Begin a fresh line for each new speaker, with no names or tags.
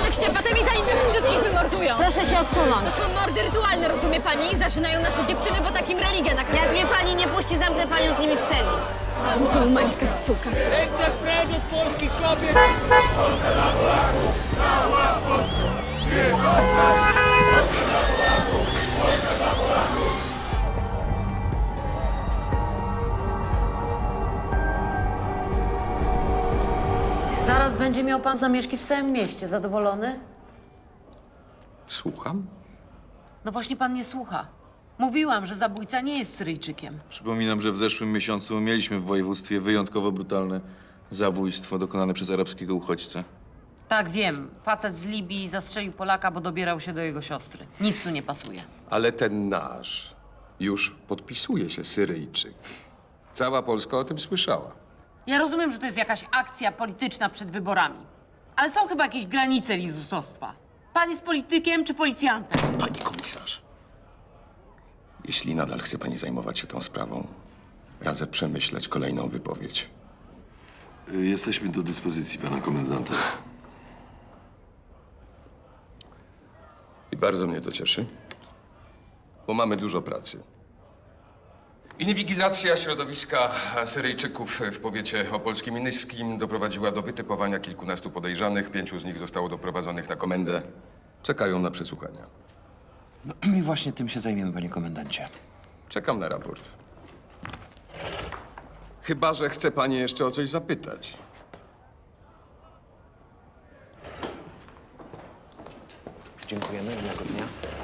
Jak się potem i zanim nas wszystkich wymordują.
Proszę się odsunąć.
To są mordy rytualne, rozumie pani? Zaczynają nasze dziewczyny, bo takim religia nakazuje.
Jak mnie pani nie puści, zamknę panią z nimi w celi.
Muzułmańska suka.
Chcę precz od polskich kobiet!
Zaraz będzie miał pan zamieszki w całym mieście. Zadowolony?
Słucham?
No właśnie pan nie słucha. Mówiłam, że zabójca nie jest Syryjczykiem.
Przypominam, że w zeszłym miesiącu mieliśmy w województwie wyjątkowo brutalne zabójstwo dokonane przez arabskiego uchodźcę.
Tak, wiem. Facet z Libii zastrzelił Polaka, bo dobierał się do jego siostry. Nic tu nie pasuje.
Ale ten nasz już podpisuje się Syryjczyk. Cała Polska o tym słyszała.
Ja rozumiem, że to jest jakaś akcja polityczna przed wyborami. Ale są chyba jakieś granice lizusostwa. Pan jest politykiem czy policjantem?
Pani komisarz, jeśli nadal chce pani zajmować się tą sprawą, radzę przemyśleć kolejną wypowiedź.
Jesteśmy do dyspozycji pana komendanta.
I bardzo mnie to cieszy, bo mamy dużo pracy. Inwigilacja środowiska Syryjczyków w powiecie opolskim i nyskim doprowadziła do wytypowania kilkunastu podejrzanych. 5 z nich zostało doprowadzonych na komendę. Czekają na przesłuchania.
No i właśnie tym się zajmiemy, panie komendancie.
Czekam na raport. Chyba że chce pani jeszcze o coś zapytać.
Dziękujemy, miłego dnia.